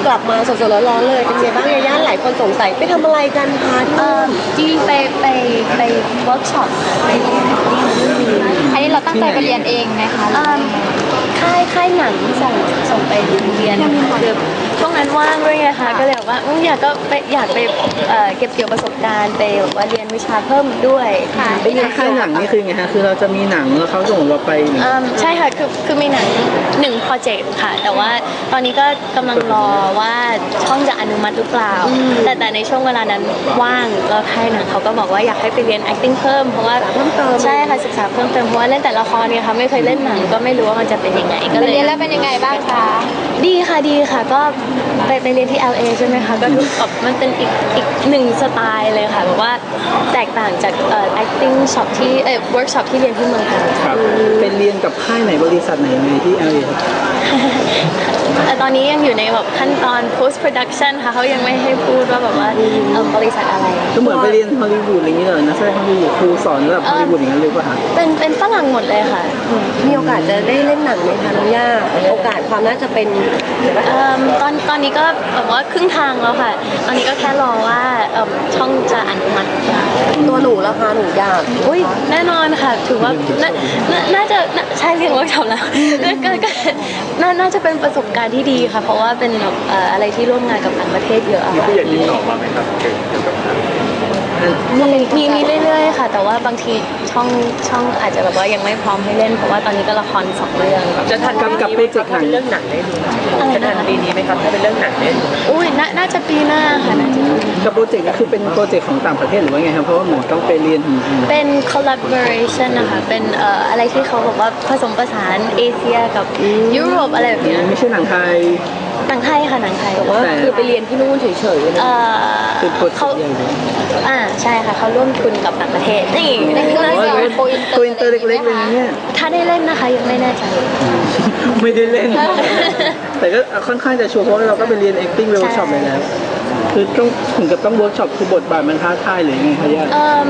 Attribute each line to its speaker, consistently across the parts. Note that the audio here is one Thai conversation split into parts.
Speaker 1: กลับมาสดๆร้อนๆเลยเป็นไงบ้างยาย่าหลายคนสงสัยไปทำอะไรกันคะที่
Speaker 2: จริงไปเวิร์กช็อปค่ะไปเรียน acting
Speaker 3: อันนี้เราตั้งใจไปเรียนเองไหมคะ
Speaker 2: ค่ายหนังส่งไปเรียนคือช่วงนั้นว่างด้วยไงคะก็เลยบอกว่าอยากไปเก็บเกี่ยวประสบการณ์ไปว่าเรียนวิชาเพิ่มด้วย
Speaker 4: ไปเรียนค่ายหนังนี่คือไงฮะคือเราจะมีหนังแล้วเขาส่งเราไป
Speaker 2: ใช่ค่ะคือมีหนัง1โปรเจกต์ค่ะแต่ว่าตอนนี้ก็กำลังรอว่าช่องจะอนุมัติหรือเปล่าแต่ในช่วงเวลานั้นว่างแล้วค่ายหนังเขาก็บอกว่าอยากให้ไปเรียน acting เพิ่มเพราะว่า
Speaker 1: เพิ่มเติม
Speaker 2: ใช่ค่ะศึกษาเพิ่มเติมเพราะว่าเล่นแต่ละครเนี่ยค่ะไม่เคยเล่นหนังก็ไม่รู้ว่ามันจะเป็นยังไงก็เลย
Speaker 3: เรียนแล้วเป็นยังไงบ้างคะ
Speaker 2: ดีค่ะก็ไปเรียนที่ LA ใช่ไหมคะก็ดูแบบมันเป็นอีกหนึ่งสไตล์เลยค่ะแบบว่าแตกต่างจากacting shop ที่workshop ที่เรียนที่เมืองไทย
Speaker 4: ครับเป็นเรียนกับค่ายไหนบริษัทไหนในที่ LA ครับ
Speaker 2: ตอนนี้ยังอยู่ในแบบขั้นตอน post production ค่ะเขายังไม่ให้พูดว่าแบบว่าบริษัทอะไร
Speaker 4: ก็เหมือนไปเรียนฮอลลีวูดอะไรอย่างเงี้ยนะแสดงฮอลลีวูดครูสอนระดับฮอลลีวูดอย่างนั้นเลยป่ะคะ
Speaker 2: เป็นฝรั่งหมดเลยค่ะ
Speaker 1: มีโอกาสจะได้เล่นหนังไหมคะน้องย่าโอกาสความน่าจะเป็น
Speaker 2: ตอนนี้ก็แบบว่าครึ่งทางแล้วค่ะตอนนี้ก็แค่รอว่าช่องจะอนุมัติ
Speaker 1: ตัวหนูแล้วคะหนูอยาก
Speaker 2: อุ้ยแน่นอนค่ะถือว่าน่าจะใช่เรียนเวิร์กช็อปแล้วก็น่าจะเป็นประสบการณ์ที่ดีค่ะเพราะว่าเป็นแบบอะไรที่ร่วมงานกับต่างประเทศเยอะ
Speaker 5: มีผู้ใหญ่ติดต่อมาไหมครับเกี่ยวกับ
Speaker 2: มีเรื่อยๆค่ะแต่ว่าบางทีช่องอาจจะแบบว่ายังไม่พร้อมให้เล่นเพราะว่าตอนนี้ก็ละคร2 เรื่อง
Speaker 4: จะทันกับโปรเจกต์หนัง
Speaker 5: เรื่องหนังได้ดูจะทันปีนี้ไหมครับถ้าเป็นเรื่องหนังได้ดู
Speaker 2: อุ้ยน่าจะปีหน้าค่ะน่าจะ
Speaker 4: กับโปรเจกต์นี้คือเป็นโปรเจกต์ของต่างประเทศหรือว่าไงครับเพราะว่าเหมือนต้องไปเรียน
Speaker 2: เป็น collaboration นะคะเป็นอะไรที่เขาบอกว่าผสมผสานเอเชียกับยุโรปอะไรแบบนี้
Speaker 4: ไม่ใช่หนังไทย
Speaker 2: หนังไทยค่ะหนังไทย
Speaker 1: แต่ว่าคือไปเรียนที่นู่นเฉยๆนะ
Speaker 4: เป็นโปรเจกต์ใหญ่
Speaker 2: ใช่ค่ะเขาร่วมทุนกับต่างประเทศนี่
Speaker 3: ในเรื่อง
Speaker 4: โกอินเตอร์เล็กๆเลยเนี่ย
Speaker 2: ถ้าได้เล่นนะคะยังไม่แน่ใจ
Speaker 4: ไม่ได้เล่นแต่ก็ค่อนข้างจะชัวร์เพราะเราก็ไปเรียน acting workshop ไปแล้วคือต้องถึงกับต้อง workshop คือบทบาทมันท้าทายหรือไงคะย่า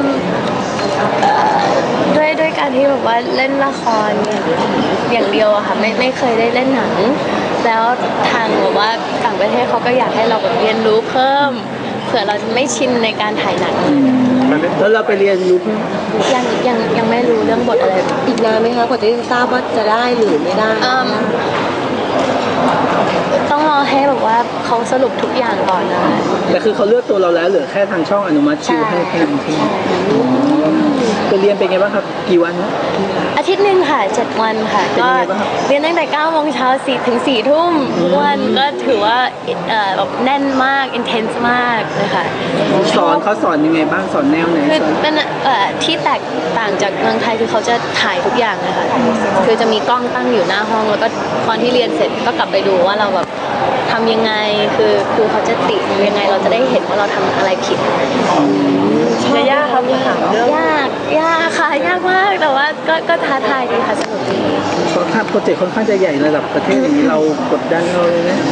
Speaker 2: ด้วยการที่แบบว่าเล่นละครอย่างเดียวอะค่ะไม่เคยได้เล่นหนังแล้วทางแบบว่าต่างประเทศเขาก็อยากให้เราแบบเรียนรู้เพิ่มเผื่อเราจะไม่ชินในการถ่ายหนัง
Speaker 4: แล้วเราไปเรียนรู้
Speaker 2: ยังไม่รู้เรื่องบทอะไร
Speaker 1: อีกนานไหมคะกว่าจะทราบว่าจะได้หรือไม่ได้
Speaker 2: ต้องรอให้แบบว่าเขาสรุปทุกอย่างก่อนนะ
Speaker 4: แต่คือเขาเลือกตัวเราแล้วเหลือแค่ทางช่องอนุมัติคิวให้แค่นั้นใช่ไหมไปเรียนเป็นไงบ้างครับกี่วันนะ
Speaker 2: อาทิตย์หนึ่งค่ะ7 วันค่ะก็เรียนตั้งแต่9 โมงเช้าถึง4 ทุ่มทุกวันก็ถือว่าแบบแน่นมาก intense มากเลยค่ะ
Speaker 4: เขาสอนยังไงบ้างสอนแนวไหน
Speaker 2: คือเป็นที่แตกต่างจากเมืองไทยคือเขาจะถ่ายทุกอย่างเลยค่ะคือจะมีกล้องตั้งอยู่หน้าห้องแล้วก็ตอนที่เรียนเสร็จก็กลับไปดูว่าเราแบบทำยังไงคือครูเขาจะติยังไงเราจะได้เห็นว่าเราทำอะไรผิด
Speaker 1: ยากครับถามเรื่อง
Speaker 2: ยากค่ะยากมากแต่ว่าก็ท้าทายดีค่ะสนุกดี
Speaker 4: ค่อนข้างโปรเจกต์ค่อนข้างจะใหญ่ระดับประเทศอย่างนี้เรากดดันเราเลยนะ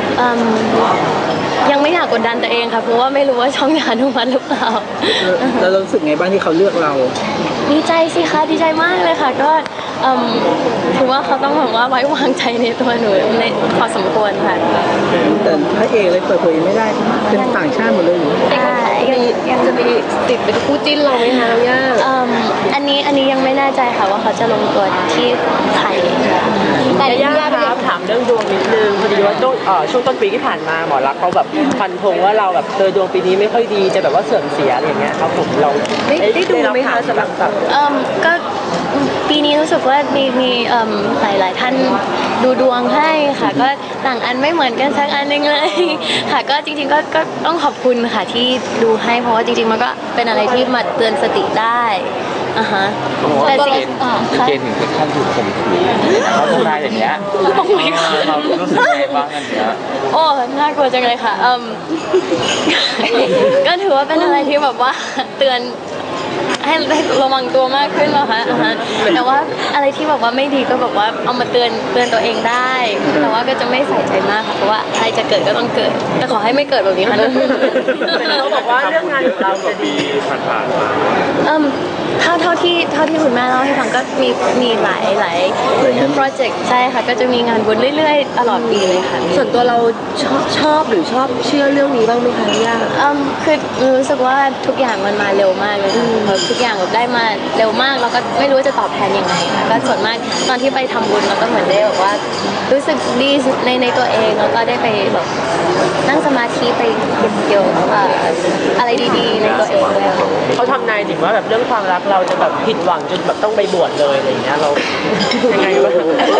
Speaker 2: ยังไม่อยากกดดันตัวเองค่ะเพราะว่าไม่รู้ว่าช่องจะอนุมัติหรือเปล่า
Speaker 4: แล้วรู้สึกไงบ้างที่เขาเลือกเรา
Speaker 2: ดีใจสิคะดีใจมากเลยค่ะก็ถือว่าเขาต้องแบบว่าไว้วางใจในตัวหนูในพอสมควรค่ะ
Speaker 4: แต่พระเอกเลยเปิดเผยไม่ได้เป็นต่างชาติหมดเลยหนู
Speaker 1: ยังจะมีติดเป็นคู่จิ้นเราไหมคะย่า
Speaker 2: อันนี้ยังไม่แน่ใจค่ะว่าเขาจะลงตัวที่ไทย
Speaker 5: แต่ย่าครับถามเรื่องดวงนิดนึงพอดีว่าช่วงต้นปีที่ผ่านมาหมอรักเขาแบบฟันธงว่าเราแบบดวงปีนี้ไม่ค่อยดีจะแบบว่าเสื่อมเสียอะไรอย่างเงี้ยครับผมเรา
Speaker 1: ได้ดูไหมคะสำหรับ
Speaker 2: ก็ปีนี้รู้สึกว่ามีหลายท่านดูดวงให้ค่ะก็ต่างอันไม่เหมือนกันสักอันนึงเลยค่ะก็จริงๆก็ต้องขอบคุณค่ะที่ดูให้เพราะว่าจริงๆมันก็เป็นอะไรที่มาเตือนสติได้
Speaker 5: แต่เกณฑ์ถึงขั้นถูกข่มขืนเขาทำนายอย่างเงี้ย
Speaker 2: ต้องไม่ค่ะ
Speaker 5: เรารู้สึกไงบ้างอันเนี้ย
Speaker 2: โอ้น่ากลัวจังเลยค่ะก็ถือว่าเป็นอะไรที่แบบว่าเตือนให้ระวังตัวมากขึ้นแล้วค่ะแต่ว่าอะไรที่แบบว่าไม่ดีก็แบบว่าเอามาเตือนตัวเองได้แต่ว่าก็จะไม่ใส่ใจมากค่ะเพราะว่าอะไรจะเกิดก็ต้องเกิดแต่ขอให้ไม่เกิดแบบนี้ค่ะ
Speaker 5: เขาบอกว่าเรื่องงานของเราจะดีผ่านมา
Speaker 2: เท่าที่คุณแม่เล่าให้ฟังก็มีหลายโปรเจกต์ใช่ค่ะก็จะมีงานบุญเรื่อยๆตลอดปีเลยค่ะ
Speaker 1: ส่วนตัวเราชอบหรือชอบเชื่อเรื่องนี้บ้างไหมคะย่า
Speaker 2: คือรู้สึกว่าทุกอย่างมันมาเร็วมากเลยแบบทุกอย่างแบบได้มาเร็วมากแล้วก็ไม่รู้ว่าจะตอบแทนยังไงค่ะก็ส่วนมากตอนที่ไปทำบุญเราก็เหมือนได้แบบว่ารู้สึกดีในตัวเองแล้วก็ได้ไปแบบนั่งสมาธิไปเกี่ยวกับอะไรดีๆในตัวเองด้วยค่ะ
Speaker 5: เขาทำนายถึงว่าแบบเรื่องความรักเราจะแบบผิดหวังจนแบบต้องไปบวชเลยอะไรอย่างเงี้ยเรายังไงวะ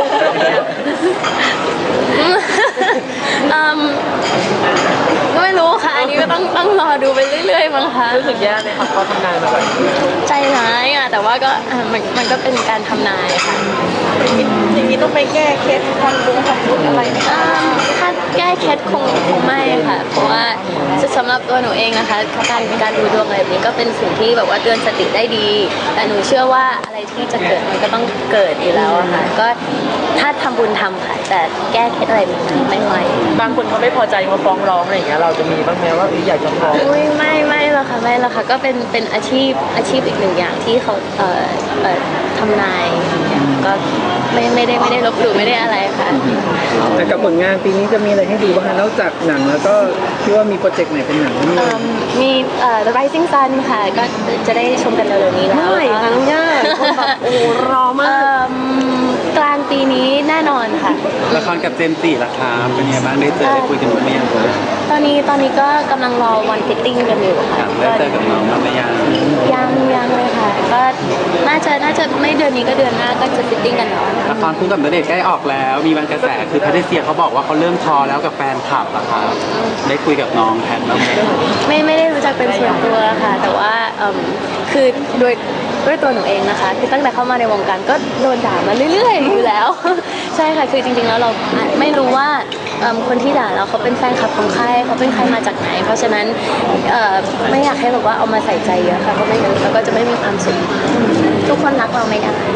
Speaker 2: ก็ไม่รู้ค่ะ อันนี้ก็ต้องรอดูไปเรื่อยๆมั้งคะ
Speaker 5: รู้สึกแย่ไหมคะเขาทำนายมาแบบ
Speaker 2: ใจร้ายอ่ะแต่ว่าก็มันก็เป็นการทำนายค่ะ
Speaker 3: อย่างนี้ต้องไปแก้เคล็ดทำบุญอะไรไหมคะ
Speaker 2: ถ้าแก้เคล็ดคงไม่ค่ะ เพราะว่าสำหรับตัวหนูเองนะคะการดูดวงอะไรแบบนี้ก็เป็นสิ่งที่แบบว่าเตือนสติได้ดี แต่หนูเชื่อว่าอะไรที่จะเกิดมันก็ต้องเกิดอยู่แล้วอะค่ะก็ถ้าทำบุญทำค่ะแต่แก้เคล็ดอะไรไม่ไหว
Speaker 5: บางคนเขาไม่พอใจมาฟ้องร้องอะไรอย่างเงี้ยเราจะมีบ้างไหมว่าอยากจะฟ้อง
Speaker 2: อุ้ยไม่หรอกค่ะไม่หรอกค่ะก็เป็นอาชีพอีกหนึ่งอย่างที่เขาทำนายก็ไม่ได้ลบหลู่ไม่ได้อะไรค่ะ
Speaker 4: แต่กับผลงานปีนี้จะมีอะไรให้ดูบ้างคะนอกจากหนังแล้วก็คิดว่ามีโปรเจกต์ไหนเป็นหนังที่
Speaker 2: มีThe Rising Sun ค่ะก็จะได้ชมกันเร็วๆนี้แล้ว
Speaker 1: เมื่อไหร่คะน้องย่าคนแบบโอ้รอมาก
Speaker 2: กลางปีนี้แน่นอนค่ะ
Speaker 6: ละครกับเจมส์จิล่ะครับเป็นไงบ้างได้เจอได้คุยกันบ้างไหมยังครับ
Speaker 2: ตอนนี้ก็กำลังรอวันฟิตติ้งกันอยู่ค่ะ
Speaker 6: ได้เจอกับน้องบ้างไหมยัง
Speaker 2: ยังเลยค่ะก็น่าจะไม่เดือนนี้ก็เดือนหน้าก็จะฟิตติ้งกันแล้ว
Speaker 6: ละครคู่กับณเดชน์ใกล้ออกแล้ว มีบางกระแสคือแพทริเซียเขาบอกว่าเขาเริ่มทอแล้วกับแฟนคลับอะครับได้คุยกับน้องแพทบ้างไหม
Speaker 2: ไม่ได้รู้จักเป็นส่วนตัวค่ะ แต่ว่าคือด้วยตัวหนูเองนะคะคือตั้งแต่เข้ามาในวงการก็โดนด่ามาเรื่อยๆอยู่แล้ว ใช่ค่ะคือจริงๆแล้วเราไม่รู้ว่าคนที่ด่าเราเขาเป็นแฟนคลับของใครเขาเป็นใครมาจากไหน เพราะฉะนั้นไม่อยากให้แบบว่าเอามาใส่ใจเยอะค่ะเพราะไม่งั้นเราก็จะไม่มีความสุขทุกคนรักเราไม่ได้